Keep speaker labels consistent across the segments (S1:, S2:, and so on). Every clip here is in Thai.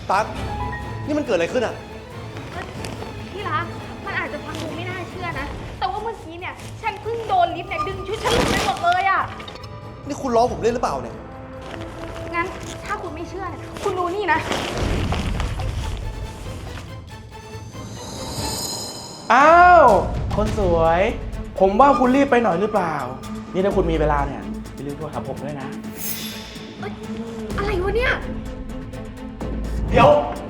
S1: ตั๊กนี่มันเกิดอะไรขึ้นอ่ะ
S2: ที่รักมันอาจจะฟังดูไม่น่าเชื่อนะแต่ว่าเมื่อกี้เนี่ยฉันเพิ่งโดนลิฟต์เนี่ยดึงชุดฉันหลุดไปหมดเลยอ่ะ
S1: นี่คุณล้อผมเล่นหรือเปล่าเนี่ย
S2: งั้นถ้าคุณไม่เชื่อเนี่ยคุณดูนี่นะ
S3: อ้าวคนสวยผมว่าคุณรีบไปหน่อยหรือเปล่านี่ถ้าคุณมีเวลาเนี่ยอย่าลืมโทรหาผมด้วยนะ
S2: อะไรวะเนี่ย
S1: เดี๋ยว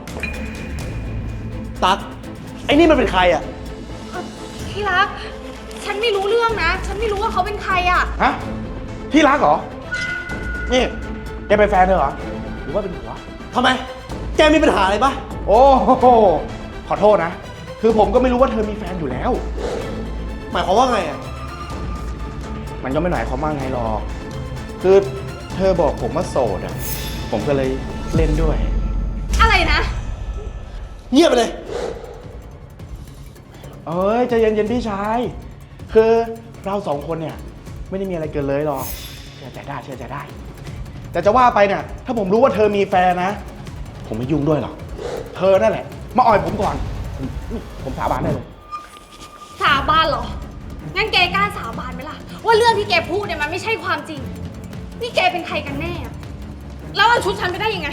S1: ตั๊กไอ้นี่มันเป็นใครอ่ะ
S2: ที่รักฉันไม่รู้เรื่องนะฉันไม่รู้ว่าเขาเป็นใครอ่ะ
S3: ฮะที่รักเหรอนี่แกเป็นแฟนเธอเหรอหรือว่าเป็นผัว
S1: ทำไมแกมีปัญหาอะไรปะ
S3: โอ้โหขอโทษนะคือผมก็ไม่รู้ว่าเธอมีแฟนอยู่แล้ว
S1: หมายความว่าไงอ่ะ
S3: มันก็ไม่หมายความว่าไงหรอกคือเธอบอกผมว่าโสดอ่ะผมก็เลยเล่นด้วย
S2: อะไรนะ
S1: เงียบไปเลย
S3: เอ้ยใจเย็นๆพี่ชายคือเราสองคนเนี่ยไม่ได้มีอะไรเกินเลยหรอกเชื่อใจได้แต่จะว่าไปเนี่ยถ้าผมรู้ว่าเธอมีแฟนนะผมไม่ยุ่งด้วยหรอกเธอนั่นแหละมาอ่อยผมก่อนผมสาบานได้เลย
S2: สาบานเหรองั้นแกกล้าสาบานไหมล่ะว่าเรื่องที่แกพูดเนี่ยมันไม่ใช่ความจริงนี่แกเป็นใครกันแน่แล้วเอาชุดฉันไปได้ยังไง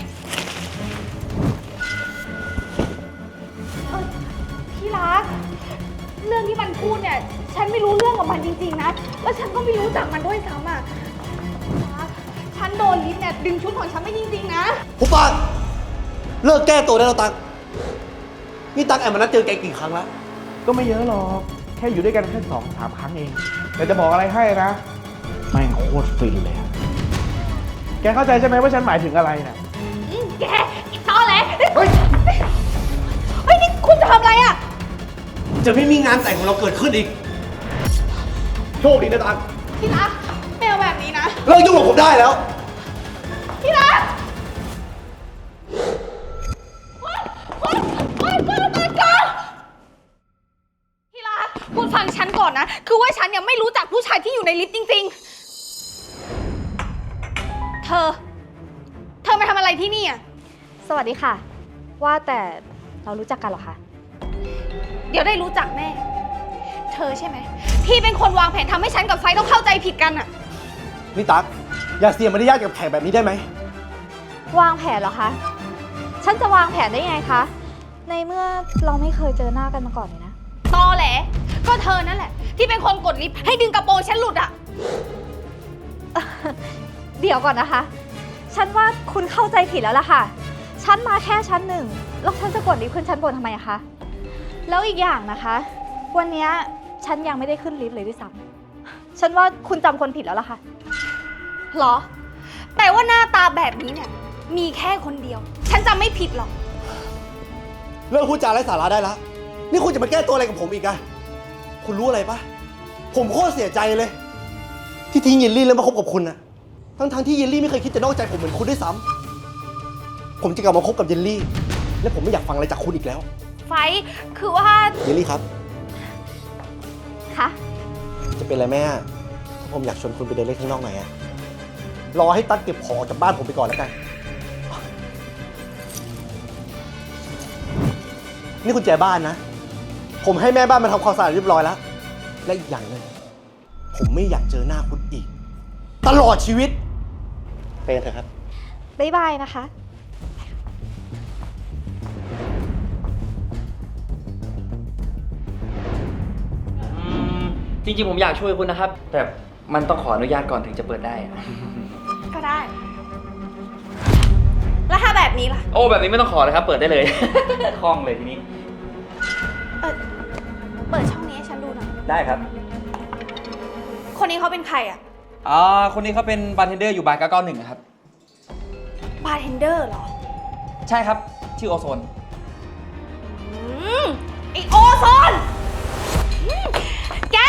S2: ที่รักเรื่องที่มันพูดเนี่ยฉันไม่รู้เรื่องกับมันจริงๆนะแล้วฉันก็ไม่รู้จักมันด้วยซ้ำอ่ะฉันโดนลิฟต์เนี่ยดึงชุดของฉันไม่จริงๆนะ
S1: หุบปากเลิกแก้ตัวได้แล้วตั๊กนี่ตั๊กแอบมานัดเจอแกกี่ครั้งแล้ว
S3: ก็ไม่เยอะหรอกแค่อยู่ด้วยกันแค่2-3 ครั้งเองแต่จะบอกอะไรให้นะแม่งโคตรฟินเลยแกเข้าใจใช่ไหมว่าฉันหมายถึงอะไรเนี่ย
S2: แกอีตอแหลเฮ้ยนี่คุณจะทำอะไรอ่ะ
S1: จะไม่มีงานแต่งของเราเกิดขึ้นอีกโชคดีนะตั๊ก
S2: ที่รักไม่เอาแบบนี้นะ
S1: เลิกยุ่งกับผมได้แล้ว
S2: ที่รักที่รักคุณฟังฉันก่อนนะคือว่าฉันเนี่ยไม่รู้จักผู้ชายที่อยู่ในลิฟต์จริงๆเธอมาทำอะไรที่นี่อ่ะ
S4: สวัสดีค่ะว่าแต่เรารู้จักกันเหรอคะ
S2: เดี๋ยวได้รู้จักแน่เธอใช่ไหมที่เป็นคนวางแผนทำให้ฉันกับไฟต้องเข้าใจผิดกันอ่ะ
S1: นี่ตั๊กอย่าเสียมารยาทกับแขกแบบนี้ได้ไหม
S4: วางแผนเหรอคะฉันจะวางแผนได้ไงคะในเมื่อเราไม่เคยเจอหน้ากันมาก่อนเลยนะ
S2: ตอแหลก็เธอนั่นแหละที่เป็นคนกดลิฟต์ให้ดึงกระโปรงฉันหลุดอ่ะ
S4: เดี๋ยวก่อนนะคะฉันว่าคุณเข้าใจผิดแล้วล่ะค่ะฉันมาแค่ชั้น 1แล้วฉันจะกดลิฟต์ขึ้นชั้นบนทำไมอะคะแล้วอีกอย่างนะคะวันนี้ฉันยังไม่ได้ขึ้นลิฟต์เลยด้วยซ้ำฉันว่าคุณจำคนผิดแล้วล่ะค่ะ
S2: หรอแต่ว่าหน้าตาแบบนี้เนี่ยมีแค่คนเดียวฉันจำไม่ผิดหรอก
S1: เลิกพูดจาไร้สาระได้แล้วนี่คุณจะมาแก้ตัวอะไรกับผมอีกอะคุณรู้อะไรปะผมโคตรเสียใจเลยที่ทิ้งเยลลี่แล้วมาคบกับคุณอะทั้งที่เยลลี่ไม่เคยคิดจะนอกใจผมเหมือนคุณด้วยซ้ำผมจะกลับมาคบกับเยลลี่และผมไม่อยากฟังอะไรจากคุณอีกแล้ว
S2: ไฟคือว่า
S1: เยลลี่ครับ
S4: คะ
S1: จะเป็นอะไรแม่ถ้าผมอยากชวนคุณไปเดินเล่นข้างนอกหน่อยอะรอให้ตั๊กเก็บของออกจากบ้านผมไปก่อนแล้วกันนี่กุญแจบ้านนะผมให้แม่บ้านมาทำความสะอาดเรียบร้อยแล้วและอีกอย่างหนึ่งผมไม่อยากเจอหน้าคุณอีกตลอดชีวิตไปกันเถอะครับ
S4: บ๊ายบายนะคะ
S5: จริงๆผมอยากช่วยคุณนะครับแต่มันต้องขออนุญาตก่อนถึงจะเปิดได้
S2: ก็ได้แล้วถ้าแบบนี้ล่ะ
S5: โอ้แบบนี้ไม่ต้องขอเลยครับเปิดได้เลย คล่องเลยทีนี้
S2: เปิดช่องนี้ให้ฉันดูหน่อย
S5: ได้ครับ
S2: คนนี้เขาเป็นใครอ่ะ
S5: คนนี้เขาเป็นบาร์เทนเดอร์อยู่บาร์991ครับ
S2: บาร์เทนเดอร์เหรอ
S5: ใช่ครับชื่อโอโซน
S2: ไอโอโซนแก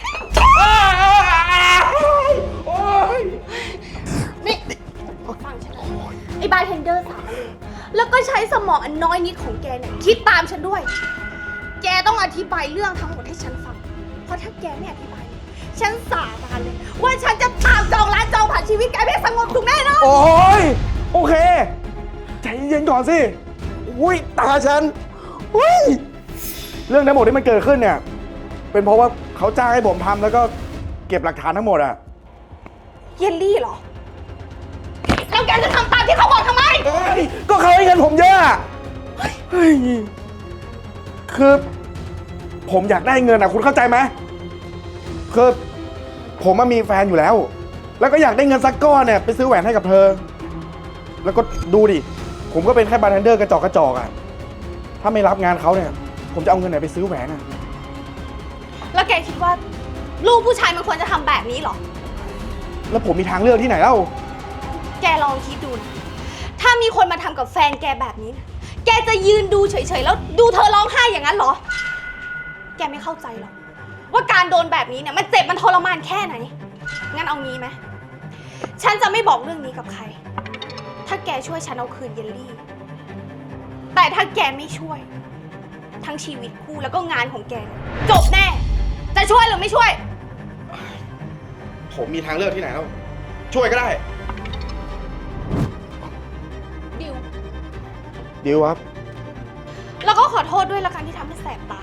S2: นี่ฟังฉันนะไอบาร์เทนเดอร์สาวเลยแล้วก็ใช้สมองอันน้อยนิดของแกเนี่ยคิดตามฉันด้วยแกต้องอธิบายเรื่องทั้งหมดให้ฉันฟังเพราะถ้าแกไม่อธิบายฉันสาบานเลยว่าฉันจะตามจองร้านจองผ่านชีวิตแกไม่สงบถูกแน่นอน
S3: โอ้ยโอเคใจเย็นก่อนสิอุ้ยตาฉันอุ้ยเรื่องทั้งหมดที่มันเกิดขึ้นเนี่ย เป็นเพราะว่าเขาจ้างให้ผมทำแล้วก็เก็บหลักฐานทั้งหมดอะ
S2: เยลลี่เหรอ แล้วแกจะทำตามที่เขาบอกทำไม
S3: เอ้ยก็เขาให้เงินผมเยอะอะเฮ้ยคือผมอยากได้เงินอะคุณเข้าใจไหมคือผมมีแฟนอยู่แล้ว แล้วก็อยากได้เงินสักก้อนเนี่ยไปซื้อแหวนให้กับเธอ แล้วก็ดูดิผมก็เป็นแค่บาร์เทนเดอร์กระจอกอะถ้าไม่รับงานเขาเนี่ย ผมจะเอาเงินไหนไปซื้อแหวนอะ
S2: แล้วแกคิดว่าลูกผู้ชายมันควรจะทำแบบนี้เหรอ
S3: แล้วผมมีทางเลือกที่ไหนเล่า
S2: แกลองคิดดูนะ ถ้ามีคนมาทำกับแฟนแกแบบนี้นะแกจะยืนดูเฉยๆแล้วดูเธอร้องไห้อย่างนั้นเหรอ แกไม่เข้าใจหรอกว่าการโดนแบบนี้เนี่ยมันเจ็บมันทรมานแค่ไหน งั้นเอางี้ไหม ฉันจะไม่บอกเรื่องนี้กับใคร ถ้าแกช่วยฉันเอาคืนเยลลี่ แต่ถ้าแกไม่ช่วย ทั้งชีวิตคู่แล้วก็งานของแกเนี่ยจบแน่ จะช่วยหรือไม่ช่วย
S3: ผมมีทางเลือกที่ไหนแล้วช่วยก็ได้
S2: ดิว
S3: ดิวครับ
S2: แล้วก็ขอโทษด้วยละกันที่ทำให้แสบตา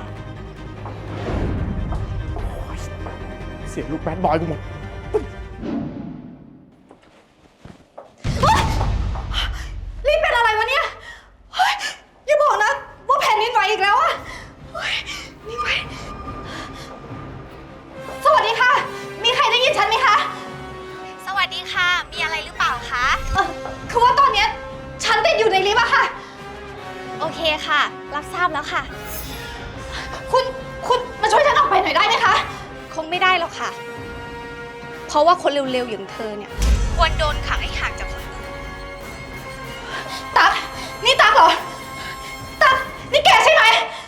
S3: เสียงลูกแบดบอยกูหมด
S2: รีบเป็นอะไรวะเนี่ยเฮ้ยอย่าบอกนะว่าแผ่นดินไหวอีกแล้วอะเฮ้ยนี่ไหวสวัสดีค่ะ มีใครได้ยินฉันไหมคะ
S4: สวัสดีค่ะ มีอะไรหรือเปล่าคะ
S2: คือว่าตอนเนี้ยฉันติดอยู่ในลิฟต์อะค่ะ
S4: โอเคค่ะ รับทราบแล้วค่ะ
S2: คุณมาช่วยฉันออกไปหน่อยได้ไหมคะ คงไม่ได้หรอกค่ะ เพราะว่าคนเร็วๆอย่างเธอเนี่ยควรโดนขังให้ห่างจากคนอื่นตั๊กนี่ตั๊กเหรอ ตั๊กนี่แกใช่ไหม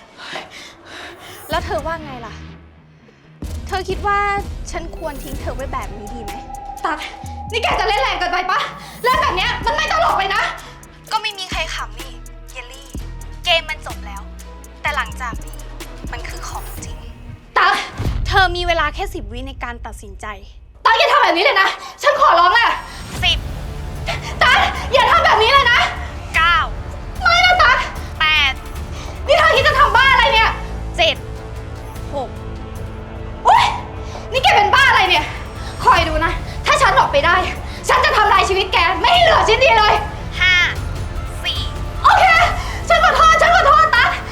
S2: แล้วเธอว่าไงล่ะ เธอคิดว่าฉันควรทิ้งเธอไว้แบบนี้ดีไหม ตั๊กนี่แกจะเล่นแรงเกินไปปะเล่นแบบเนี้ยมันไม่ตลกเลยนะ ก็ไม่มีใครขำนี่เยลลี่ เกมมันจบแล้ว แต่หลังจากนี้มันคือของจริง ตั๊กเธอมีเวลาแค่10 วิในการตัดสินใจ ตั๊กอย่าทำแบบนี้เลยนะ ฉันขอร้องแหละ10 ตั๊กอย่าทำแบบนี้เลยนะ 9 ไม่นะตั๊ก8 นี่เธอคิดจะทำบ้าอะไรเนี่ย 7 6 โอ๊ย นี่แกเป็นบ้าอะไรเนี่ย คอยดูนะ ถ้าฉันออกไปได้ ฉันจะทำลายชีวิตแก ไม่ให้เหลือชิ้นดีเลย 5 4 โอเค ฉันขอโทษตั๊ก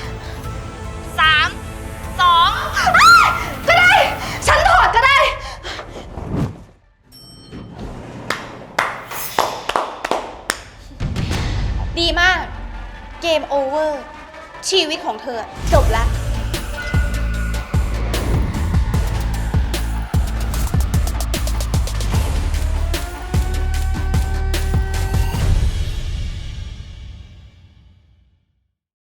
S2: 3 2 ก็ได้ ฉันถอดก็ได้ ดีมาก เกมโอเวอร์ ชีวิตของเธอจบแล้ว